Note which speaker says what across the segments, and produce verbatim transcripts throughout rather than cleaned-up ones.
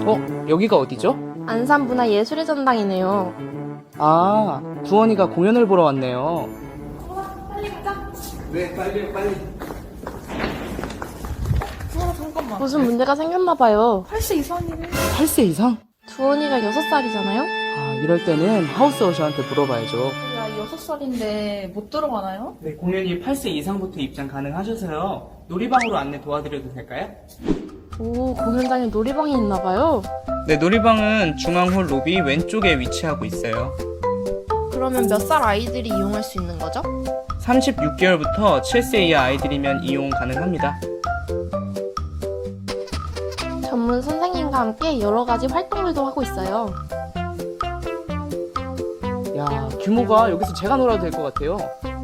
Speaker 1: 어? 여기가 어디죠?
Speaker 2: 안산문화예술의 전당이네요.
Speaker 1: 아, 두원이가 공연을 보러 왔네요.
Speaker 3: 네, 빨리 빨리.
Speaker 4: 어, 잠깐만.
Speaker 2: 무슨 문제가 생겼나봐요.
Speaker 4: 팔 세 이상이래.
Speaker 1: 팔 세 이상?
Speaker 2: 두원이가 여섯 살이잖아요?
Speaker 1: 아, 이럴 때는 하우스 어셔한테 물어봐야죠.
Speaker 4: 야, 여섯 살인데 못 들어가나요?
Speaker 1: 네, 공연이 팔 세 이상부터 입장 가능하셔서요. 놀이방으로 안내 도와드려도 될까요?
Speaker 2: 오, 공연장에 놀이방이 있나봐요.
Speaker 1: 네, 놀이방은 중앙홀 로비 왼쪽에 위치하고 있어요.
Speaker 2: 그러면 몇 살 아이들이 이용할 수 있는 거죠?
Speaker 1: 삼십육 개월부터 칠 세 이하 아이들이면 이용 가능합니다.
Speaker 2: 전문 선생님과 함께 여러 가지 활동들도 하고 있어요.
Speaker 1: 야, 규모가 여기서 제가 놀아도 될 것 같아요.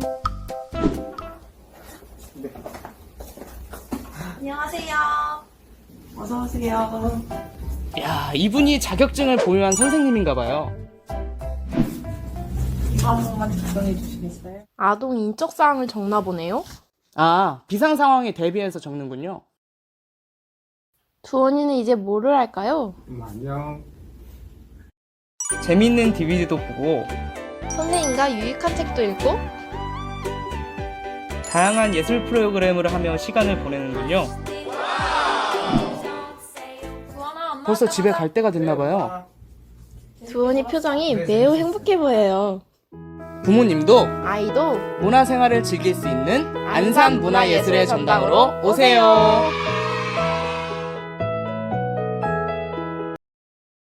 Speaker 4: 안녕하세요. 어서 오세요.
Speaker 1: 야, 이분이 자격증을 보유한 선생님인가 봐요.
Speaker 4: 이거 한 번만 작성해 주시겠어요?
Speaker 2: 아동 인적사항을 적나 보네요.
Speaker 1: 아, 비상 상황에 대비해서 적는군요.
Speaker 2: 두원이는 이제 뭐를 할까요?
Speaker 3: 음, 안녕.
Speaker 1: 재밌는 디비디도 보고
Speaker 2: 선생님과 유익한 책도 읽고
Speaker 1: 다양한 예술 프로그램을 하며 시간을 보내는군요. 벌써 집에 갈 때가 됐나 봐요.
Speaker 2: 두원이 표정이 매우 행복해 보여요.
Speaker 1: 부모님도
Speaker 2: 아이도
Speaker 1: 문화생활을 즐길 수 있는 안산 문화예술의 전당으로 오세요.